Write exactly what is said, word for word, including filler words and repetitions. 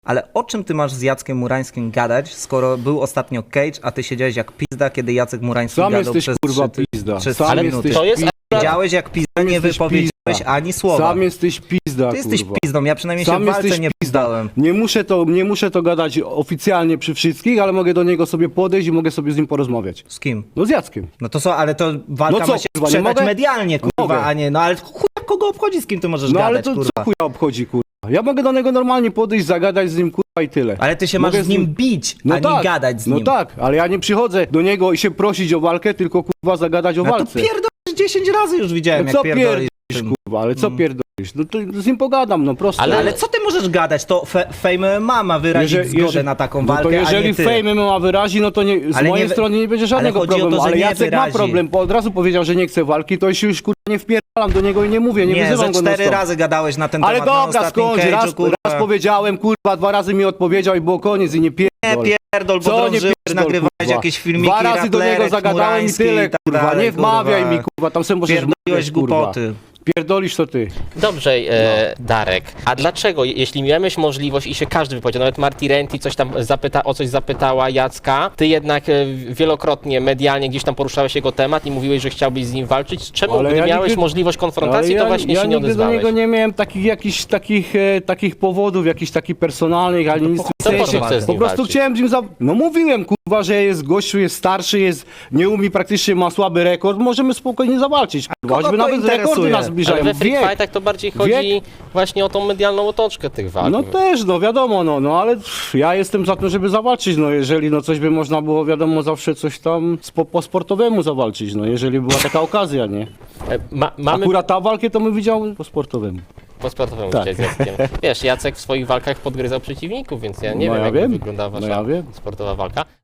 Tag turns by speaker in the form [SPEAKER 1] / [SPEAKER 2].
[SPEAKER 1] Ale o czym ty masz z Jackiem Murańskim gadać, skoro był ostatnio Cage, a ty siedziałeś jak pizda, kiedy Jacek Murański
[SPEAKER 2] Sam
[SPEAKER 1] gadał
[SPEAKER 2] jesteś
[SPEAKER 1] przez
[SPEAKER 2] kurwa
[SPEAKER 1] trzy,
[SPEAKER 2] pizda.
[SPEAKER 1] przez
[SPEAKER 2] Sam
[SPEAKER 1] trzy
[SPEAKER 2] jesteś
[SPEAKER 1] minuty.
[SPEAKER 3] To jest
[SPEAKER 1] Siedziałeś jak pizda, nie
[SPEAKER 2] jesteś
[SPEAKER 1] wypowiedziałeś
[SPEAKER 2] pizda.
[SPEAKER 1] ani słowa.
[SPEAKER 2] Sam jesteś pizda,
[SPEAKER 1] Ty jesteś
[SPEAKER 2] kurwa.
[SPEAKER 1] pizdą, ja przynajmniej
[SPEAKER 2] Sam
[SPEAKER 1] się w walce
[SPEAKER 2] jesteś
[SPEAKER 1] nie
[SPEAKER 2] pizda.
[SPEAKER 1] pizdałem.
[SPEAKER 2] Nie muszę, to, nie muszę to gadać oficjalnie przy wszystkich, ale mogę do niego sobie podejść i mogę sobie z nim porozmawiać.
[SPEAKER 1] Z kim?
[SPEAKER 2] No z Jackiem.
[SPEAKER 1] No to co, ale to walka
[SPEAKER 2] No co,
[SPEAKER 1] ma się
[SPEAKER 2] kurwa, nie
[SPEAKER 1] sprzedać
[SPEAKER 2] mogę?
[SPEAKER 1] medialnie, kurwa,
[SPEAKER 2] Mogę.
[SPEAKER 1] a nie, no ale chuj, kogo obchodzi, z kim ty możesz
[SPEAKER 2] No
[SPEAKER 1] gadać,
[SPEAKER 2] ale to
[SPEAKER 1] kurwa.
[SPEAKER 2] co chuja obchodzi, kurwa? Ja mogę do niego normalnie podejść, zagadać z nim, kurwa, i tyle.
[SPEAKER 1] Ale ty się
[SPEAKER 2] Mogę
[SPEAKER 1] masz z nim bić,
[SPEAKER 2] No
[SPEAKER 1] a nie
[SPEAKER 2] tak,
[SPEAKER 1] gadać z
[SPEAKER 2] no
[SPEAKER 1] nim.
[SPEAKER 2] tak, ale ja nie przychodzę do niego i się prosić o walkę, tylko kurwa zagadać o
[SPEAKER 1] No to
[SPEAKER 2] walce.
[SPEAKER 1] pierdolisz dziesięć razy już widziałem,
[SPEAKER 2] No
[SPEAKER 1] jak
[SPEAKER 2] co
[SPEAKER 1] pierdolisz.
[SPEAKER 2] pierdolisz, kurwa, ale co pierdolisz? No to z nim pogadam, no prosto.
[SPEAKER 1] Ale, ale co ty możesz gadać? To fe, Fame ma ma wyrazić
[SPEAKER 2] Jeżeli-
[SPEAKER 1] zgodę
[SPEAKER 2] jeżeli-
[SPEAKER 1] na taką
[SPEAKER 2] no
[SPEAKER 1] walkę,
[SPEAKER 2] to
[SPEAKER 1] a
[SPEAKER 2] jeżeli
[SPEAKER 1] nie ty.
[SPEAKER 2] Fame ma wyrazi, no to nie, z
[SPEAKER 1] Ale
[SPEAKER 2] mojej
[SPEAKER 1] nie wy-
[SPEAKER 2] strony nie będzie żadnego
[SPEAKER 1] chodzi o to,
[SPEAKER 2] problemu,
[SPEAKER 1] że
[SPEAKER 2] ale
[SPEAKER 1] nie
[SPEAKER 2] Jacek
[SPEAKER 1] wyrazi.
[SPEAKER 2] ma problem, bo od razu powiedział, że nie chce walki, to się już kurwa nie wpierdalam do niego i nie mówię, nie,
[SPEAKER 1] Nie,
[SPEAKER 2] wyzywam
[SPEAKER 1] ze
[SPEAKER 2] go
[SPEAKER 1] cztery
[SPEAKER 2] non-stop.
[SPEAKER 1] razy gadałeś na ten
[SPEAKER 2] Ale
[SPEAKER 1] temat na
[SPEAKER 2] dobra,
[SPEAKER 1] ostatnim
[SPEAKER 2] skończ,
[SPEAKER 1] cage'u,
[SPEAKER 2] raz,
[SPEAKER 1] kurwa.
[SPEAKER 2] raz powiedziałem, kurwa, dwa razy mi odpowiedział i było koniec i nie pierdol.
[SPEAKER 1] Nie pierdol, bo
[SPEAKER 2] Co nie
[SPEAKER 1] drążyłeś,
[SPEAKER 2] pierdol,
[SPEAKER 1] nagrywałeś
[SPEAKER 2] kurwa.
[SPEAKER 1] jakieś filmiki,
[SPEAKER 2] Dwa razy do niego
[SPEAKER 1] raplerek,
[SPEAKER 2] zagadałem i
[SPEAKER 1] Murański
[SPEAKER 2] tyle,
[SPEAKER 1] i tak
[SPEAKER 2] kurwa,
[SPEAKER 1] dalej,
[SPEAKER 2] nie wmawiaj
[SPEAKER 1] kurwa.
[SPEAKER 2] mi, kurwa, tam sobie możesz
[SPEAKER 1] Pierdoliłeś
[SPEAKER 2] wmawiać, kurwa.
[SPEAKER 1] głupoty.
[SPEAKER 2] Pierdolisz to ty.
[SPEAKER 3] Dobrze, e, Darek. A dlaczego, jeśli miałeś możliwość i się każdy wypowiedział, nawet Marty Renty coś tam zapyta, o coś zapytała Jacka, ty jednak e, wielokrotnie medialnie gdzieś tam poruszałeś jego temat i mówiłeś, że chciałbyś z nim walczyć. Czemu,
[SPEAKER 2] Ale
[SPEAKER 3] gdy
[SPEAKER 2] ja
[SPEAKER 3] miałeś
[SPEAKER 2] nigdy-
[SPEAKER 3] możliwość konfrontacji,
[SPEAKER 2] Ale
[SPEAKER 3] to właśnie
[SPEAKER 2] ja
[SPEAKER 3] się nie
[SPEAKER 2] nigdy do
[SPEAKER 3] odezwałeś?
[SPEAKER 2] niego nie miałem takich jakichś takich, e, takich powodów, jakichś takich personalnych, ani nic w
[SPEAKER 3] po
[SPEAKER 2] tym
[SPEAKER 3] co
[SPEAKER 2] sensie.
[SPEAKER 3] chcesz z
[SPEAKER 2] Po
[SPEAKER 3] nim
[SPEAKER 2] prostu
[SPEAKER 3] walczyć?
[SPEAKER 2] chciałem z nim za... No mówiłem, kurwa, że jest gościu, jest starszy, jest, nie umie, praktycznie ma słaby rekord, możemy spokojnie zawalczyć, kurwa,
[SPEAKER 1] kogo
[SPEAKER 2] choćby
[SPEAKER 1] to
[SPEAKER 2] nawet rekordy
[SPEAKER 1] interesuje?
[SPEAKER 2] nas
[SPEAKER 3] Ale
[SPEAKER 2] zbliżają.
[SPEAKER 3] we free
[SPEAKER 2] Wiek.
[SPEAKER 3] fightach to bardziej chodzi
[SPEAKER 2] Wiek.
[SPEAKER 3] właśnie o tą medialną otoczkę tych walk.
[SPEAKER 2] No też, no wiadomo, no, no ale pff, ja jestem za to, żeby zawalczyć, no jeżeli no coś by można było, wiadomo, zawsze coś tam spo, po sportowemu zawalczyć, no jeżeli była taka okazja, nie?
[SPEAKER 3] E, Ma, mamy
[SPEAKER 2] Akurat ta walkę to my widział po sportowemu.
[SPEAKER 3] po sportowemu
[SPEAKER 2] Tak.
[SPEAKER 3] tak. z Jackiem. Wiesz, Jacek w swoich walkach podgryzał przeciwników, więc ja nie
[SPEAKER 2] No
[SPEAKER 3] wiem,
[SPEAKER 2] ja
[SPEAKER 3] jak
[SPEAKER 2] wiem.
[SPEAKER 3] wygląda wasza
[SPEAKER 2] No ja wiem.
[SPEAKER 3] sportowa walka.